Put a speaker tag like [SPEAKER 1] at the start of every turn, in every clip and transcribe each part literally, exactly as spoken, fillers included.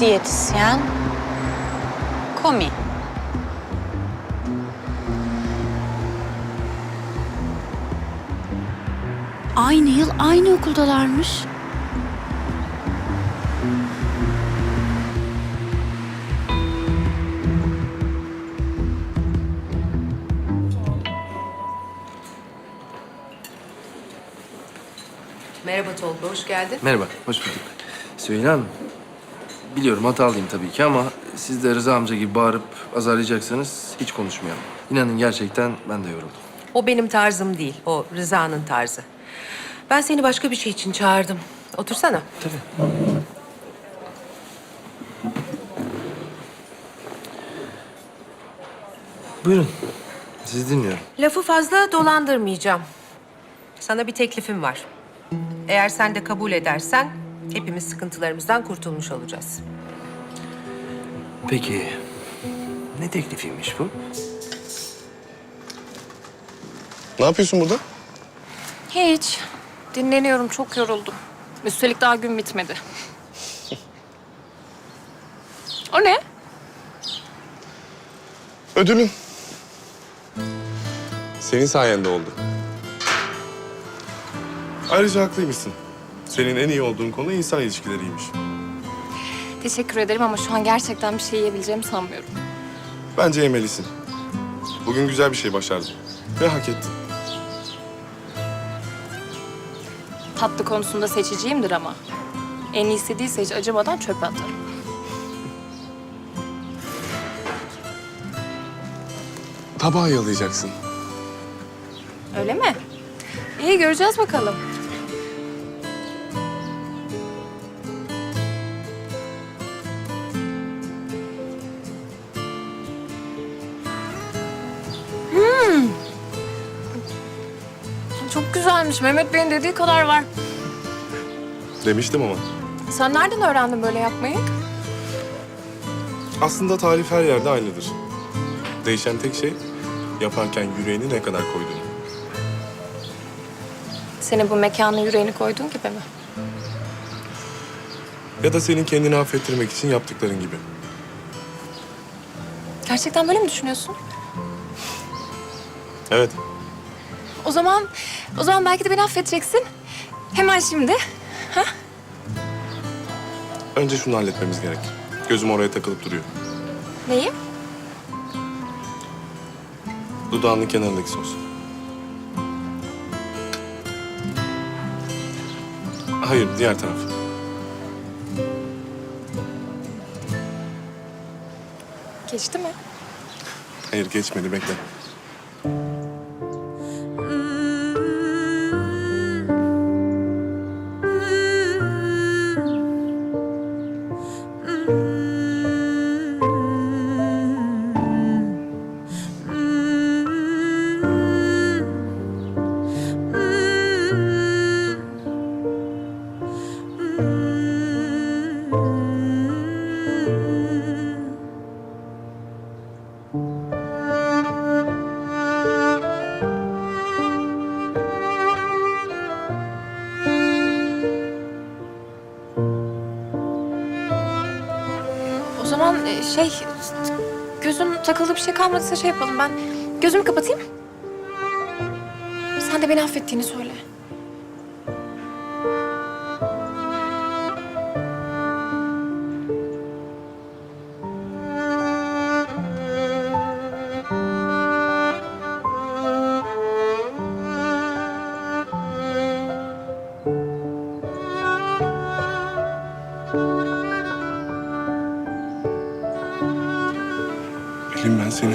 [SPEAKER 1] diyetisyen, komi.
[SPEAKER 2] Aynı yıl aynı okuldalarmış.
[SPEAKER 3] Merhaba Tolga, hoş geldin.
[SPEAKER 4] Merhaba, hoş bulduk. Süheyla Hanım, biliyorum hatalıyım tabii ki ama siz de Rıza amca gibi bağırıp azarlayacaksanız hiç konuşmayalım. İnanın gerçekten ben de yoruldum.
[SPEAKER 3] O benim tarzım değil, o Rıza'nın tarzı. Ben seni başka bir şey için çağırdım. Otursana.
[SPEAKER 4] Tabii. Buyurun, sizi dinliyorum.
[SPEAKER 3] Lafı fazla dolandırmayacağım. Sana bir teklifim var. Eğer sen de kabul edersen hepimiz sıkıntılarımızdan kurtulmuş olacağız.
[SPEAKER 4] Peki, ne teklifiymiş bu?
[SPEAKER 5] Ne yapıyorsun burada?
[SPEAKER 6] Hiç. Dinleniyorum, çok yoruldum. Üstelik daha gün bitmedi. O ne?
[SPEAKER 5] Ödülün. Senin sayende oldu. Ayrıca haklıymışsın. Senin en iyi olduğun konu insan ilişkileriymiş.
[SPEAKER 6] Teşekkür ederim ama şu an gerçekten bir şey yiyebileceğimi sanmıyorum.
[SPEAKER 5] Bence yemelisin. Bugün güzel bir şey başardın. Ve hak ettin.
[SPEAKER 6] Tatlı konusunda seçiciyimdir ama. En iyisi değilse hiç acımadan çöpe atarım.
[SPEAKER 5] Tabağı yalayacaksın.
[SPEAKER 6] Öyle mi? İyi, göreceğiz bakalım. Hmm. Çok güzelmiş. Mehmet Bey'in dediği kadar var.
[SPEAKER 5] Demiştim ama.
[SPEAKER 6] Sen nereden öğrendin böyle yapmayı?
[SPEAKER 5] Aslında tarif her yerde aynıdır. Değişen tek şey yaparken yüreğini ne kadar koyduğun.
[SPEAKER 6] Senin bu mekana yüreğini koyduğun gibi mi?
[SPEAKER 5] Ya da senin kendini affettirmek için yaptıkların gibi.
[SPEAKER 6] Gerçekten böyle mi düşünüyorsun?
[SPEAKER 5] Evet.
[SPEAKER 6] O zaman, o zaman belki de beni affedeceksin. Hemen şimdi. Ha?
[SPEAKER 5] Önce şunu halletmemiz gerek. Gözüm oraya takılıp duruyor.
[SPEAKER 6] Neyi?
[SPEAKER 5] Dudağının kenarındaki sos. Hayır, diğer taraf.
[SPEAKER 6] Geçti mi?
[SPEAKER 5] Hayır, geçmedi. Bekle.
[SPEAKER 6] O zaman e, şey, gözün takıldığı bir şey kalmadıysa şey yapalım. Ben gözümü kapatayım. Sen de beni affettiğini söyle.
[SPEAKER 5] Pelin, ben seni...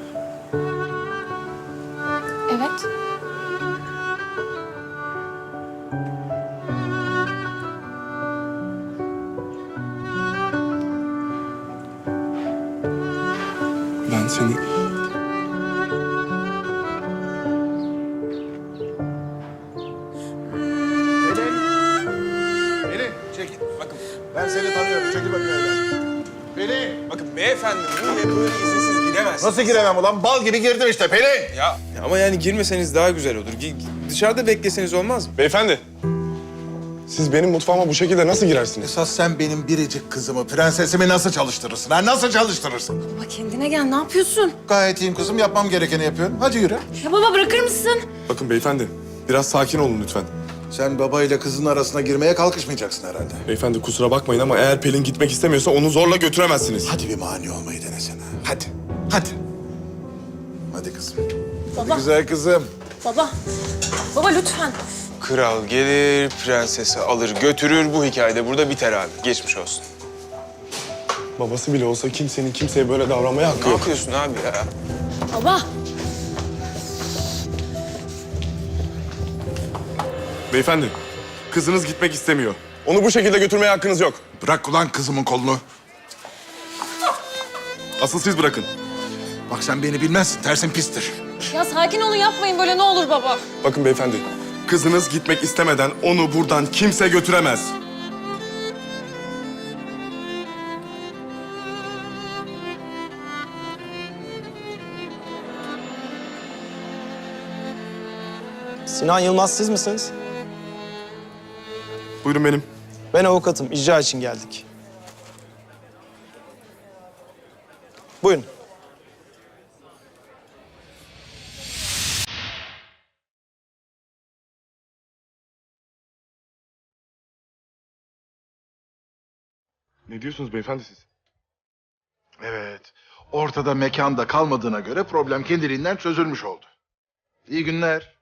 [SPEAKER 6] Evet.
[SPEAKER 5] Ben seni...
[SPEAKER 7] Pelin, çekil. Bakın, ben seni tanıyorum. Çekil bakayım evden. Pelin!
[SPEAKER 8] Bakın beyefendi buraya böyle izinsiz giremezsiniz.
[SPEAKER 7] Nasıl giremem ulan? Bal gibi girdim işte Pelin!
[SPEAKER 8] Ya, ya ama yani girmeseniz daha güzel olur. Gi- Dışarıda bekleseniz olmaz mı?
[SPEAKER 5] Beyefendi. Siz benim mutfağıma bu şekilde nasıl girersiniz?
[SPEAKER 7] Esas sen benim biricik kızımı, prensesimi nasıl çalıştırırsın? Ha? Nasıl çalıştırırsın?
[SPEAKER 6] Baba kendine gel, ne yapıyorsun?
[SPEAKER 7] Gayet iyiyim kızım, yapmam gerekeni yapıyorum. Hadi yürü.
[SPEAKER 6] Ya baba bırakır mısın?
[SPEAKER 5] Bakın beyefendi, biraz sakin olun lütfen.
[SPEAKER 7] Sen baba ile kızın arasına girmeye kalkışmayacaksın herhalde.
[SPEAKER 5] Beyefendi kusura bakmayın ama eğer Pelin gitmek istemiyorsa onu zorla götüremezsiniz.
[SPEAKER 7] Hadi bir mani olmayı denesene. Hadi, hadi. Hadi kızım.
[SPEAKER 6] Baba.
[SPEAKER 7] Hadi güzel kızım.
[SPEAKER 6] Baba. Baba lütfen.
[SPEAKER 8] Kral gelir, prensesi alır götürür. Bu hikayede burada biter abi. Geçmiş olsun.
[SPEAKER 5] Babası bile olsa kimsenin kimseye böyle davranmaya hakkı
[SPEAKER 8] Ne
[SPEAKER 5] yok.
[SPEAKER 8] yapıyorsun abi ya?
[SPEAKER 6] Baba.
[SPEAKER 5] Beyefendi, kızınız gitmek istemiyor. Onu bu şekilde götürmeye hakkınız yok.
[SPEAKER 7] Bırak ulan kızımın kolunu.
[SPEAKER 5] Asıl siz bırakın.
[SPEAKER 7] Bak sen beni bilmezsin, tersin pistir.
[SPEAKER 6] Ya sakin olun, yapmayın böyle, ne olur baba.
[SPEAKER 5] Bakın beyefendi, kızınız gitmek istemeden onu buradan kimse götüremez.
[SPEAKER 9] Sinan Yılmaz siz misiniz?
[SPEAKER 5] Buyurun benim.
[SPEAKER 9] Ben avukatım. İcra için geldik. Buyurun.
[SPEAKER 5] Ne diyorsunuz beyefendi siz?
[SPEAKER 7] Evet, ortada mekanda kalmadığına göre problem kendiliğinden çözülmüş oldu. İyi günler.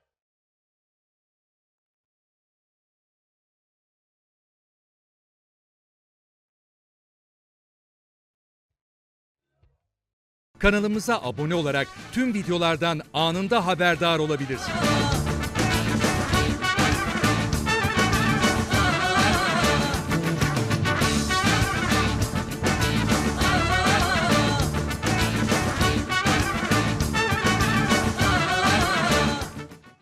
[SPEAKER 10] Kanalımıza abone olarak tüm videolardan anında haberdar olabilirsiniz.